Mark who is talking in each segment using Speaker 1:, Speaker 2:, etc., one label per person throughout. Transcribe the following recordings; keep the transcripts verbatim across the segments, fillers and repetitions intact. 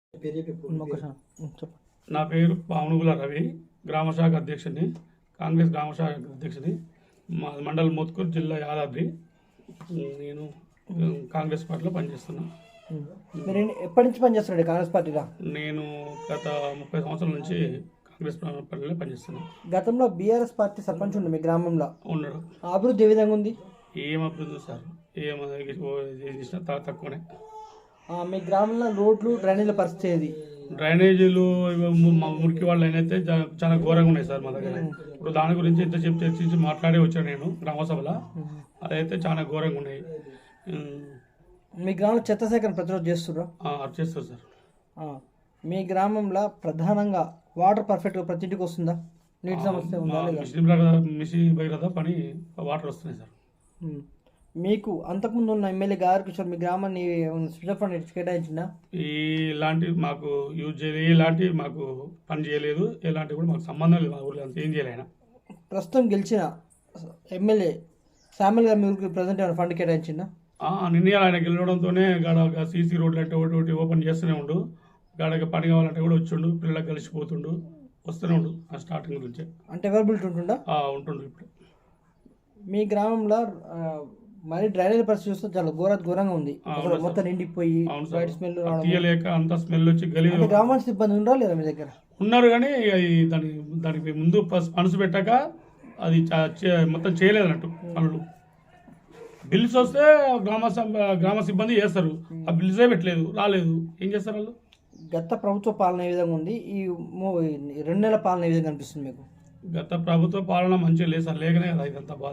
Speaker 1: నా పేరు పామునుగుల రవి, గ్రామ శాఖ అధ్యక్షుని, కాంగ్రెస్ గ్రామ శాఖ అధ్యక్షుని, మా మండల్ మోత్కూర్, జిల్లా యాదాద్రి. నేను కాంగ్రెస్ పార్టీలో పనిచేస్తున్నా.
Speaker 2: మీరు ఎప్పటి నుంచి పనిచేస్తున్నాడు కాంగ్రెస్ పార్టీలో?
Speaker 1: నేను గత ముప్పై సంవత్సరాల నుంచి కాంగ్రెస్ పార్టీలో పనిచేస్తున్నాను.
Speaker 2: గతంలో బీఆర్ఎస్ పార్టీ సర్పంచ్ ఉండే మీ గ్రామంలో
Speaker 1: ఉన్నాడు.
Speaker 2: అభివృద్ధి ఏ విధంగా ఉంది?
Speaker 1: ఏం అభివృద్ధి సార్, ఏం చేసినా తక్కువనే.
Speaker 2: మీ గ్రామంలో రోడ్లు డ్రైనేజీల పరిస్థితి ఏది?
Speaker 1: డ్రైనేజీలు మురికి వాళ్ళు అయితే చాలా ఘోరంగా ఉన్నాయి సార్ మా దగ్గర. ఇప్పుడు దాని గురించి ఇంత చెప్పి చర్చించి మాట్లాడి వచ్చాను నేను గ్రామసభలో. అదైతే చాలా ఘోరంగా ఉన్నాయి.
Speaker 2: మీ గ్రామంలో చెత్త సేకరణ ప్రతిరోజు చేస్తుర్రా?
Speaker 1: చేస్తారు సార్.
Speaker 2: మీ గ్రామంలో ప్రధానంగా వాటర్ పర్ఫెక్ట్గా ప్రతి ఇంటికి వస్తుందా? నీటి సమస్య ఉందా?
Speaker 1: మిషన్ భగీరథ పని వాటర్ వస్తున్నాయి సార్.
Speaker 2: మీకు అంతకుముందు ఉన్న ఎమ్మెల్యే గారు కిషోర్ మీ గ్రామాన్ని స్విచ్ ఫండ్ కేటాయించిందా?
Speaker 1: ఇలాంటి మాకు యూజ్ చేయలేదు, ఇలాంటి మాకు పని చేయలేదు, ఇలాంటివి కూడా మాకు సంబంధం లేదు. మా ఊళ్ళో అంత ఏం చేయలేనా.
Speaker 2: ప్రస్తుతం గెలిచిన ఎమ్మెల్యే శామ్యుల్ గారు మీ ఊరికి ప్రజెంట్ ఏమైనా ఫండ్ కేటాయించిందా?
Speaker 1: నిన్న ఆయన గెలవడంతోనే గాడ సీసీ రోడ్లు అంటే ఒకటి ఒకటి ఓపెన్ చేస్తూనే ఉండు, గాడకి పని కావాలంటే కూడా వచ్చిండు, పిల్లలకు కలిసిపోతుండు, వస్తూనే ఉండు. ఆ స్టార్టింగ్ నుంచే
Speaker 2: అంటే అవైలబిలిటీ ఉంటుందా?
Speaker 1: ఉంటుండు. ఇప్పుడు
Speaker 2: మీ గ్రామంలో మరి డ్రైనేజ్ పరిస్థితి చూస్తే చాలా ఘోర ఘోరంగా ఉంది. మొత్తం నిండిపోయి వైట్ స్మెల్
Speaker 1: తీయలేక అంత స్మెల్ వచ్చి గలీ.
Speaker 2: గ్రామాల సిబ్బంది ఉండరా లేదా మీ దగ్గర?
Speaker 1: ఉన్నారు కానీ అది దాని దానికి ముందు మనసు పెట్టాక అది మొత్తం చేయలేదు అన్నట్టు పనులు. బిల్స్ వస్తే గ్రామ గ్రామ సిబ్బంది చేస్తారు, ఆ బిల్సే పెట్టలేదు, రాలేదు, ఏం చేస్తారు వాళ్ళు?
Speaker 2: గత ప్రభుత్వ పాలన ఏ విధంగా ఉంది, ఈ రెండు నెలల పాలన ఏ విధంగా అనిపిస్తుంది మీకు?
Speaker 1: గత ప్రభుత్వ పాలన మంచిగా లేదు సార్, లేకనే కదా ఇదంతా బాధ.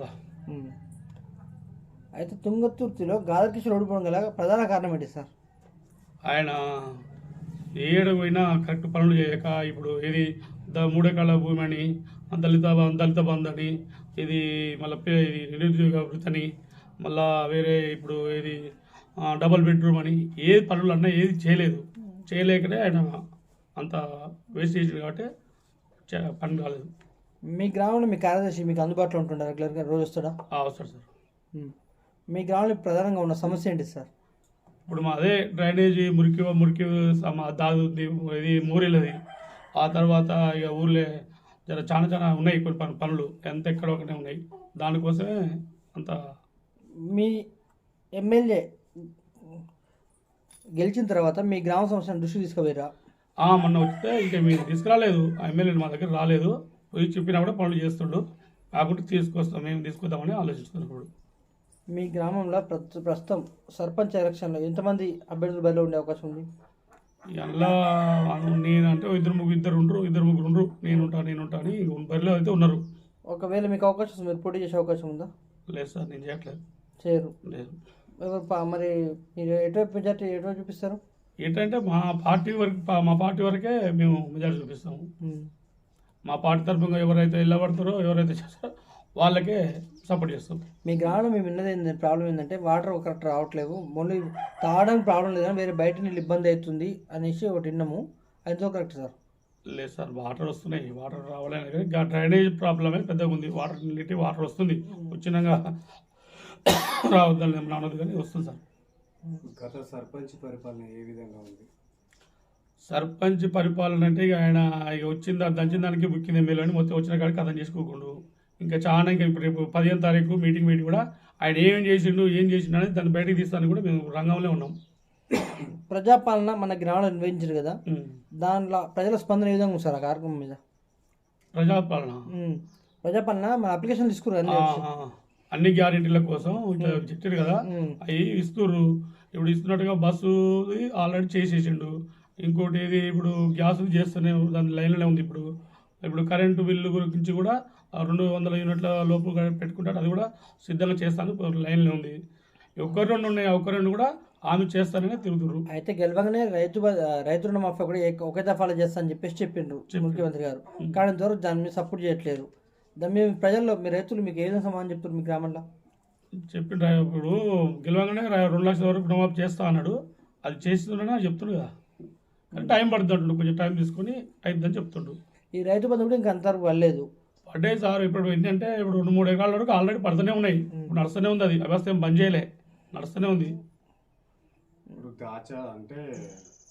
Speaker 2: అయితే తుంగతుర్తిలో గాదకిషోర్ ఓడిపోవడం గల ప్రధాన కారణం ఏంటి సార్?
Speaker 1: ఆయన ఏడు పోయినా కరెక్ట్ పనులు చేయక, ఇప్పుడు ఇది ద మూడెకరాల భూమి అని, దళిత దళిత బంధు అని, ఇది మళ్ళీ ఇది నిరుద్యోగ వృత్తి అని, మళ్ళా వేరే ఇప్పుడు ఇది డబుల్ బెడ్రూమ్ అని, ఏ పనులు అన్నా ఏది చేయలేదు. చేయలేకనే ఆయన అంత వేస్ట్ చేసింది కాబట్టి పని కాలేదు.
Speaker 2: మీ గ్రామంలో మీ కార్యదర్శి మీకు అందుబాటులో ఉంటుందా? రెగ్యులర్గా రోజు వస్తాడా?
Speaker 1: వస్తాడు సార్.
Speaker 2: మీ గ్రామంలో ప్రధానంగా ఉన్న సమస్య ఏంటి సార్?
Speaker 1: ఇప్పుడు మా అదే డ్రైనేజీ మురికి మురికి దాదు ఇది మూరేలది. ఆ తర్వాత ఇక ఊర్లే జర చాలా చాలా ఉన్నాయి కొన్ని పని పనులు ఎంత ఎక్కడ ఒకనే ఉన్నాయి. దానికోసమే అంత.
Speaker 2: మీ ఎమ్మెల్యే గెలిచిన తర్వాత మీ గ్రామ సమస్యను దృష్టికి తీసుకుపోయారా?
Speaker 1: మొన్న వస్తే ఇక మీరు తీసుకురాలేదు, ఆ ఎమ్మెల్యే మా దగ్గర రాలేదు. పోయి చెప్పినా కూడా పనులు చేస్తుండు, కాకుండా తీసుకొస్తాం, మేము తీసుకొద్దామని ఆలోచిస్తున్నాం. ఇప్పుడు
Speaker 2: మీ గ్రామంలో ప్రస్తుతం సర్పంచ్ ఎలక్షన్లో ఎంతమంది అభ్యర్థులు బయట ఉండే అవకాశం ఉంది?
Speaker 1: ఎలా నేను అంటే ఇద్దరు ముగ్గురు ఇద్దరు ఉండరు ఇద్దరు ముగ్గురు ఉండరు నేను ఉంటా నేను ఉంటా అని బరిలో అయితే ఉన్నారు.
Speaker 2: ఒకవేళ మీకు అవకాశం మీరు పోటీ చేసే అవకాశం ఉందా?
Speaker 1: లేదు సార్, నేను చేయట్లేదు.
Speaker 2: చేయరు?
Speaker 1: లేదు.
Speaker 2: మరి మీరు ఎటువైపు మెజార్టీ ఎటువైపు చూపిస్తారు?
Speaker 1: ఏంటంటే మా పార్టీ వరకు మా పార్టీ వరకే మేము మెజార్టీ చూపిస్తాము. మా పార్టీ తరఫున ఎవరైతే వెళ్ళబడతారో ఎవరైతే చేస్తారో వాళ్ళకే సపోర్ట్ చేస్తాం.
Speaker 2: మీ గ్రామంలో మేము విన్నది ఏంటంటే ప్రాబ్లం ఏంటంటే వాటర్ కరెక్ట్ రావట్లేదు, ఓన్లీ తాగడానికి ప్రాబ్లం లేదు కానీ వేరే బయట నీళ్ళు ఇబ్బంది అవుతుంది అనేసి ఒకటి విన్నాము. అదితో కరెక్ట్ సార్?
Speaker 1: లేదు సార్, వాటర్ వస్తున్నాయి, వాటర్ రావాలని కానీ డ్రైనేజ్ ప్రాబ్లమే పెద్దగా ఉంది. వాటర్ నీటి వాటర్ వస్తుంది, వచ్చినాక రావద్దని రావద్దు కానీ వస్తుంది సార్.
Speaker 3: గత సర్పంచ్ పరిపాలన ఏ విధంగా ఉంది?
Speaker 1: సర్పంచ్ పరిపాలన అంటే ఇక ఆయన ఇక వచ్చింది దంచిన దానికి బుక్కింది ఎమ్మెల్యే అని మొత్తం వచ్చిన కాడికి అర్థం చేసుకోకుండా ఇంకా చాలా ఇంకా ఇప్పుడు రేపు పదిహేను తారీఖు మీటింగ్ మీటింగ్ కూడా ఆయన ఏం చేసిండు ఏం చేసిండు అనేది దాన్ని బయటకు తీస్తానికి కూడా మేము రంగంలో ఉన్నాం.
Speaker 2: ప్రజాపాలన మన గ్రామంలో నిర్వహించారు కదా, దాంట్లో ప్రజల స్పందన ఏ విధంగా ఉంది సార్ ఆ కార్యక్రమం మీద?
Speaker 1: ప్రజాపాలన
Speaker 2: ప్రజాపాలన మన అప్లికేషన్ తీసుకున్నారు
Speaker 1: అన్ని గ్యారెంటీల కోసం ఇట్లా చెప్పారు కదా, అవి ఇస్తుర్రు. ఇప్పుడు ఇస్తున్నట్టుగా బస్సు ఆల్రెడీ చేసేసిండు. ఇంకోటి ఇది ఇప్పుడు గ్యాస్ చేస్తూనే దాని లైన్లోనే ఉంది. ఇప్పుడు ఇప్పుడు కరెంటు బిల్లు గురించి కూడా రెండు వందల యూనిట్ల లోపు పెట్టుకుంటాడు, అది కూడా సిద్ధంగా చేస్తాను లైన్లో ఉంది. ఒక్కరు రెండు ఉన్నాయి, ఒక్క రెండు కూడా ఆమె చేస్తానని తిరుగుతున్నారు.
Speaker 2: అయితే గెలవగానే రైతు రైతు రుణమాఫీ కూడా ఒకే దఫాలో చేస్తా అని చెప్పేసి చెప్పిండ్రు ముఖ్యమంత్రి గారు, కానీ ఇంతవరకు దాని మీద సపోర్ట్ చేయట్లేదు. దాని మీద ప్రజల్లో మీ రైతులు మీకు ఏ విధంగా సమాధానం చెప్తారు? మీ గ్రామంలో
Speaker 1: చెప్పిండ్రు ఇప్పుడు గెలవగానే రెండు లక్షల వరకు రుణమాఫీ చేస్తా అన్నాడు, అది చేస్తుండని చెప్తుండు కదా, కానీ టైం పడుతుంది అంటుండు, కొంచెం టైం తీసుకొని అయిద్దని చెప్తుండు.
Speaker 2: ఈ రైతు బంధు కూడా ఇంకా అంతవరకు పడలేదు.
Speaker 1: పడ్డే సార్, ఇప్పుడు ఏంటంటే ఇప్పుడు రెండు మూడు ఎకరాల వరకు ఆల్రెడీ పడుతూనే ఉన్నాయి, ఇప్పుడు నడుస్తూనే ఉంది, అది వ్యవస్థ ఏం బంద్ చేయలే, నడుస్తూనే ఉంది.
Speaker 3: ఇప్పుడు దాచా అంటే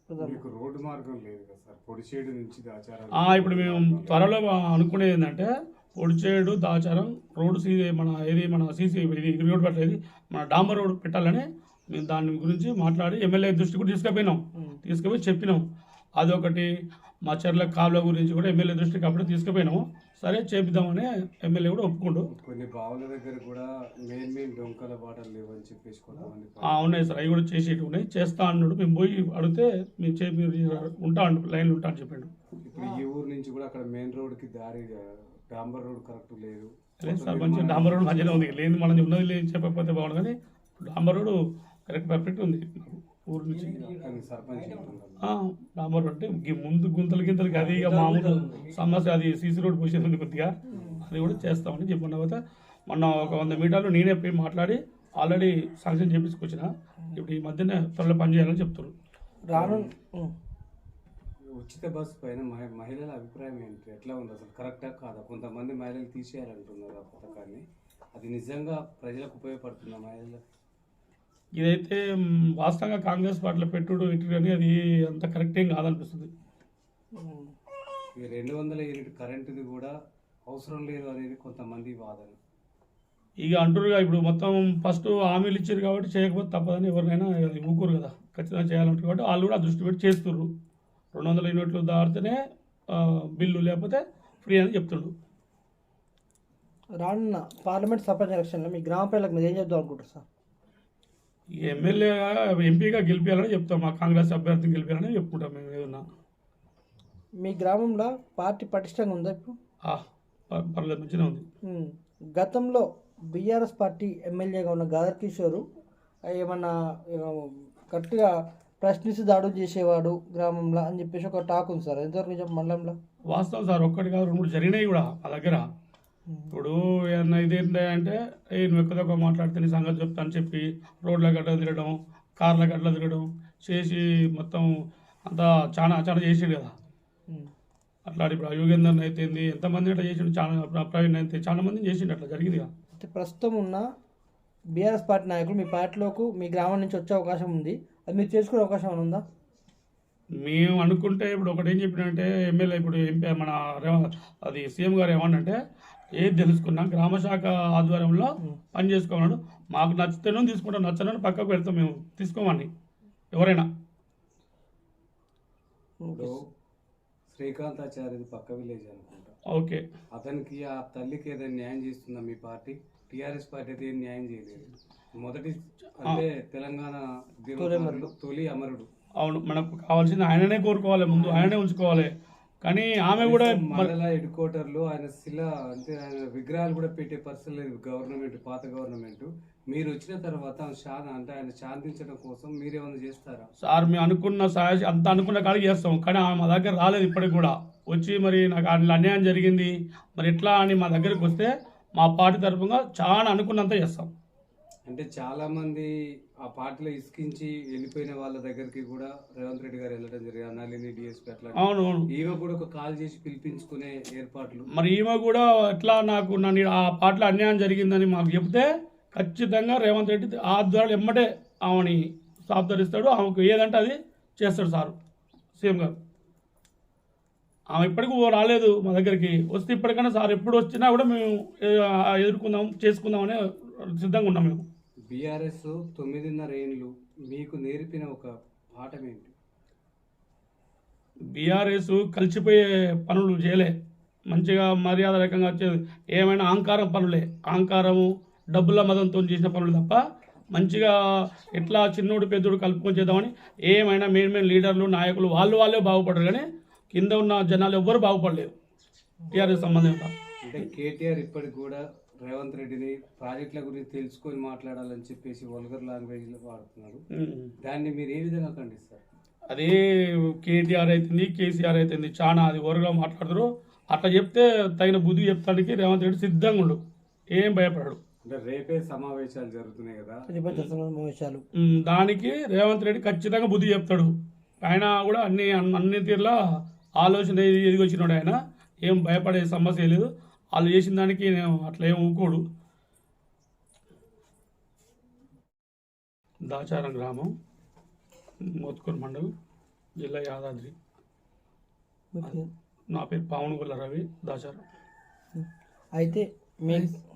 Speaker 3: మీకు రోడ్డు మార్గం లేదు కదా సార్, పొడిచేడు నుంచి దాచారం.
Speaker 1: ఆ, ఇప్పుడు మేము త్వరలో అనుకునేది ఏంటంటే పొడిచేడు దాచారం రోడ్డు సీ మన ఏది మన సీసీ ఇది ఇది రోడ్డు పెట్టలేదు మన డాంబర్ రోడ్డు పెట్టాలని మేము దాని గురించి మాట్లాడి ఎమ్మెల్యే దృష్టి కూడా తీసుకుపోయినాం. తీసుకుపోయి చెప్పినాం. అదొకటి మా చెర్ల కాలువ గురించి కూడా ఎమ్మెల్యే దృష్టికి అప్పుడే తీసుకుపోయినాము. సరే చేపిద్దామని ఎమ్మెల్యే కూడా ఒప్పుకుంటూ
Speaker 3: కొన్ని బావుల దగ్గర కూడా మెయిన్ మెయిన్ డొంకల బాటలు లేవని చెప్పేసి కొంతమంది
Speaker 1: ఆ, ఉన్నాయి సార్, అవి కూడా చేసేటి ఉన్నాయి. చేస్తా అన్నాడు. మేము పోయి అడిగితే మేము చేపి మీరు ఉంటా అంటు లైన్లో ఉంటా అని చెప్పాడు.
Speaker 3: ఇప్పుడు ఈ ఊరు నుంచి కూడా అక్కడ మెయిన్ రోడ్కి దారి డాంబర్ రోడ్ కరెక్ట్ లేదు.
Speaker 1: లేదు సార్, మంచిగా డాంబర్ రోడ్ మంచిగా ఉంది. లేదు మనం ఉన్నది లేదు చెప్పకపోతే బాగుండు, కానీ డాంబర్ రోడ్ కరెక్ట్ పర్ఫెక్ట్ ఉంది ఊరు నుంచి.
Speaker 3: కానీ సర్పంచ్ చెప్తున్నారు.
Speaker 1: ఆ, డాంబర్ రోడ్ అంటే గి- ముందు గుంతలు గింతలకి అది ఇక మామూలు సమస్య, అది సీసీ రోడ్ పోసేది ఉంది కొద్దిగా, అది కూడా చేస్తామని చెప్పిన తర్వాత మొన్న ఒక వంద మీటర్లు నేనే పోయి మాట్లాడి ఆల్రెడీ శాంక్షన్ చేపించుకొచ్చిన. ఇప్పుడు ఈ మధ్యనే త్వరలో పని చేయాలని చెప్తున్నారు.
Speaker 2: రాను ఉమ్.
Speaker 3: ఉచిత బస్సు పైన మహి- మహిళల అభిప్రాయం ఏంటి, ఎట్లా ఉంది అసలు, కరెక్టా కాదా? కొంతమంది మహిళలు తీసేయాలంటున్నారు ఆ పథకాన్ని. అది నిజంగా ప్రజలకు ఉపయోగపడుతుందా మహిళలకు?
Speaker 1: ఇదైతే మ్, వాస్తవంగా కాంగ్రెస్ పార్టీలో పెట్టుడు ఇటు కానీ అది అంత కరెక్ట్ ఏం కాదనిపిస్తుంది.
Speaker 2: ఉమ్.
Speaker 3: ఈ రెండు వందల యూనిట్ కరెంటుది కూడా అవసరం లేదు అనేది కొంతమంది వాదన.
Speaker 1: ఇక అంటురుగా ఇప్పుడు మొత్తం ఫస్ట్ హామీలు ఇచ్చారు కాబట్టి చేయకపోతే తప్పదని ఎవరినైనా అది ఊరుకోరు కదా, ఖచ్చితంగా చేయాలంటారు కాబట్టి వాళ్ళు కూడా ఆ దృష్టి పెట్టి చేస్తుర్రు. రెండు వందల యూనిట్లు దాటితేనే ఆ, బిల్లు, లేకపోతే ఫ్రీ అని చెప్తుండ్రు.
Speaker 2: రానున్న పార్లమెంట్ సర్పంచ్ ఎలక్షన్లో మీ గ్రామ ప్రజలకు మీరు ఏం చెప్దాం అనుకుంటారు సార్?
Speaker 1: ఈ ఎమ్మెల్యేగా ఎంపీగా గెలిపించాలని చెప్తాం. మా కాంగ్రెస్ అభ్యర్థిని గెలిపించాలని చెప్పుకుంటాం మేము ఏదన్నా.
Speaker 2: మీ గ్రామంలో పార్టీ పటిష్టంగా ఉందా ఇప్పుడు?
Speaker 1: ఆ, ప- పర్లేదు మంచిగా ఉంది.
Speaker 2: ఉమ్. గతంలో బీఆర్ఎస్ పార్టీ ఎమ్మెల్యేగా ఉన్న గాదర్ కిషోరు ఏమన్నా ఏమో కరెక్ట్గా ప్రశ్నించి దాడులు చేసేవాడు గ్రామంలో అని చెప్పేసి ఒక టాక్ ఉంది సార్, ఎంతవరకు నిజం మండలంలో?
Speaker 1: వాస్తవం సార్, ఒక్కటి కాదు రెండు మూడు జరిగినాయి కూడా మా దగ్గర. ఇప్పుడు ఏమన్నా ఇదేంటి అంటే ఏ నువ్వు ఎక్కువ తక్కువ మాట్లాడితే నీ సంగతి చెప్తా అని చెప్పి రోడ్ల గడ్డ తిరగడం, కార్ల గడ్డ తిరగడం చేసి మొత్తం అంతా చాలా చాలా చేసాడు కదా.
Speaker 2: ఉమ్.
Speaker 1: అట్లా ఇప్పుడు యోగేందర్ అయితే ఎంతమంది అట్లా చేసిండు, చాలా ప్రవీణ్ అయితే చాలా మందిని చేసిండు, అట్లా జరిగింది కదా.
Speaker 2: అయితే ప్రస్తుతం ఉన్న బీఆర్ఎస్ పార్టీ నాయకులు మీ పార్టీలోకి మీ గ్రామం నుంచి వచ్చే అవకాశం ఉంది, అది మీరు చేసుకునే అవకాశం ఏమైనా ఉందా?
Speaker 1: మేము అనుకుంటే ఇప్పుడు ఒకటి ఏం చెప్పినంటే ఎమ్మెల్యే ఇప్పుడు ఎంపీ మన రేవ- అది సీఎం గారు ఏమన్నంటే ఏది తెలుసుకున్నా గ్రామ శాఖ ఆధ్వర్యంలో పని చేసుకోమన్నాడు. మాకు నచ్చితేనో తీసుకుంటాం, నచ్చనో పక్కకు పెడతాం, మేము తీసుకోమని ఎవరైనా.
Speaker 3: ఇప్పుడు శ్రీకాంతాచార్యది పక్క విలేజ్ అనుకుంటా.
Speaker 1: ఓకే,
Speaker 3: అతనికి ఆ తల్లికి ఏదైనా న్యాయం చేస్తుందా మీ పార్టీ? టీఆర్ఎస్ పార్టీ అయితే ఏం న్యాయం చేయలేదు. మొదటి అంటే తెలంగాణ దినోత్సవంలో తొలి అమరుడు.
Speaker 1: అవును, మనకు కావాల్సింది ఆయననే కోరుకోవాలి, ముందు ఆయననే ఉంచుకోవాలి. కానీ ఆమె కూడా
Speaker 3: మండల హెడ్ క్వార్టర్లో ఆయన శిల అంటే ఆయన విగ్రహాలు కూడా పెట్టే పరిస్థితి లేదు గవర్నమెంట్, పాత గవర్నమెంట్. మీరు వచ్చిన తర్వాత ఆయన శా- అంటే ఆయన శాంతించడం కోసం మీరేమైనా చేస్తారా?
Speaker 1: సార్ మేము అనుకున్న సహాయ అంత అనుకున్న కాడికి చేస్తాం, కానీ ఆమె మా దగ్గర రాలేదు ఇప్పటికి కూడా. వచ్చి మరి నాకు అట్లా అన్యాయం జరిగింది మరి ఎట్లా అని మా దగ్గరికి వస్తే మా పార్టీ తరఫున చాలా అనుకున్నంత చేస్తాం.
Speaker 3: అంటే చాలా మంది ఆ పార్టీలో ఇసుకించి వెళ్ళిపోయిన వాళ్ళ దగ్గరికి కూడా రేవంత్ రెడ్డి గారు వెళ్ళడం జరిగింది. అనాలిని డిఎస్పీ అట్లా
Speaker 1: అవును అవును,
Speaker 3: ఈమె కూడా ఒక కాల్ చేసి పిలిపించుకునే ఏర్పాట్లు.
Speaker 1: మరి ఈమె కూడా ఎట్లా నాకు నన్ను ఆ పార్టీలో అన్యాయం జరిగిందని మాకు చెప్తే ఖచ్చితంగా రేవంత్ రెడ్డి ఆధ్వర్యంలో ఎమ్మటే ఆమెని సాబ్దరిస్తాడు, ఆమెకు ఏదంటే అది చేస్తాడు సారు సీఎం గారు. ఆమె ఇప్పటికీ ఓ రాలేదు మా దగ్గరికి, వస్తే ఇప్పటికైనా సార్ ఎప్పుడు వచ్చినా కూడా మేము ఏ- ఎదుర్కొందాం చేసుకుందామని సిద్ధంగా ఉన్నాం మేము.
Speaker 3: బీఆర్ఎస్ తొమ్మిదిన్నర ఏళ్ళు మీకు నేర్పిన ఒక పాఠం ఏంటి?
Speaker 1: బీఆర్ఎస్ కలిసిపోయే పనులు చేయలే, మంచిగా మర్యాద రకంగా వచ్చేది ఏమైనా అహంకారం పనులే, అహంకారము డబ్బుల మదంతో చేసిన పనులు తప్ప మంచిగా ఎట్లా చిన్నోడు పెద్దోడు కలుపుకొని చేద్దామని ఏమైనా మెయిన్ మెయిన్ లీడర్లు నాయకులు వాళ్ళు వాళ్ళే బాగుపడరు, కానీ కింద ఉన్న జనాలు ఎవ్వరు బాగుపడలేదు టీఆర్ఎస్ సంబంధంగా.
Speaker 3: అంటే కేటీఆర్ ఇప్పటికి కూడా రేవంత్ రెడ్డిని ప్రాజెక్టుల గురించి తెలుసుకొని మాట్లాడాలని చెప్పేసి వల్గర్ లాంగ్వేజ్ లో వాడుతున్నారు. దాన్ని మీరు ఏ విధంగా ఖండిస్తారు?
Speaker 1: అదే కేటీఆర్ అవుతుంది కేసీఆర్ అవుతుంది చాలా అది ఓరగా మాట్లాడతారు. అట్లా చెప్తే తగిన బుద్ధి చెప్తానికి రేవంత్ రెడ్డి సిద్ధంగా ఉండు, ఏం భయపడాడు.
Speaker 3: అంటే రేపే సమావేశాలు జరుగుతున్నాయి కదా,
Speaker 2: ప్రతిపక్ష సమావేశాలు,
Speaker 1: ఉమ్, దానికి రేవంత్ రెడ్డి ఖచ్చితంగా బుద్ధి చెప్తాడు. ఆయన కూడా అన్ని అన్ని తీరులా ఆలోచన ఎదిగి వచ్చినాడు. ఆయన ఏం భయపడే సమస్య లేదు, వాళ్ళు చేసిన దానికి నేను అట్లా ఏం ఊకోడు. దాచారం గ్రామం, మోత్కూరు మండలం, జిల్లా యాదాద్రి.
Speaker 2: మీ పేరు?
Speaker 1: నా పేరు పావనగొల్ల రవి దాచారం.
Speaker 2: అయితే మీ